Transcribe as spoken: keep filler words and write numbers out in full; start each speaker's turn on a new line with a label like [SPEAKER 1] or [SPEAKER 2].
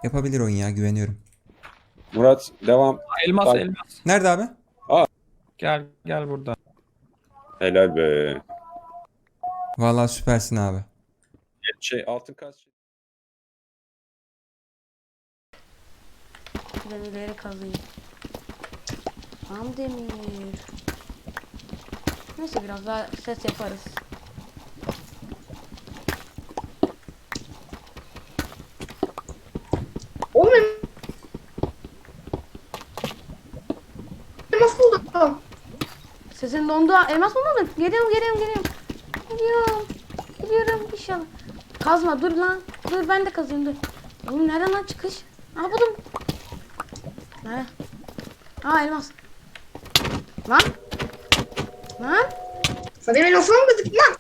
[SPEAKER 1] Yapabilir oyun ya, güveniyorum.
[SPEAKER 2] Murat devam.
[SPEAKER 3] Elmas
[SPEAKER 2] Bak.
[SPEAKER 3] elmas.
[SPEAKER 1] Nerede abi?
[SPEAKER 3] Gel gel burada.
[SPEAKER 2] Helal be.
[SPEAKER 1] Vallahi süpersin abi.
[SPEAKER 2] Şey altın kaç?
[SPEAKER 4] Demirleri kazıyım. Tam demir. Neyse biraz daha ses yaparız.
[SPEAKER 5] Oğlum elmas buldum.
[SPEAKER 4] Sesin dondu. Elmas mı buldun? Geliyorum geliyorum geliyorum. Geliyorum. Geliyorum inşallah. Kazma dur lan. Dur ben de kazayım dur. Oğlum nereden lan çıkış? Aa buldum. Nerede? Aa elmas. Lan. Lan.
[SPEAKER 5] Sen benim elmasımı mı gıdık lan?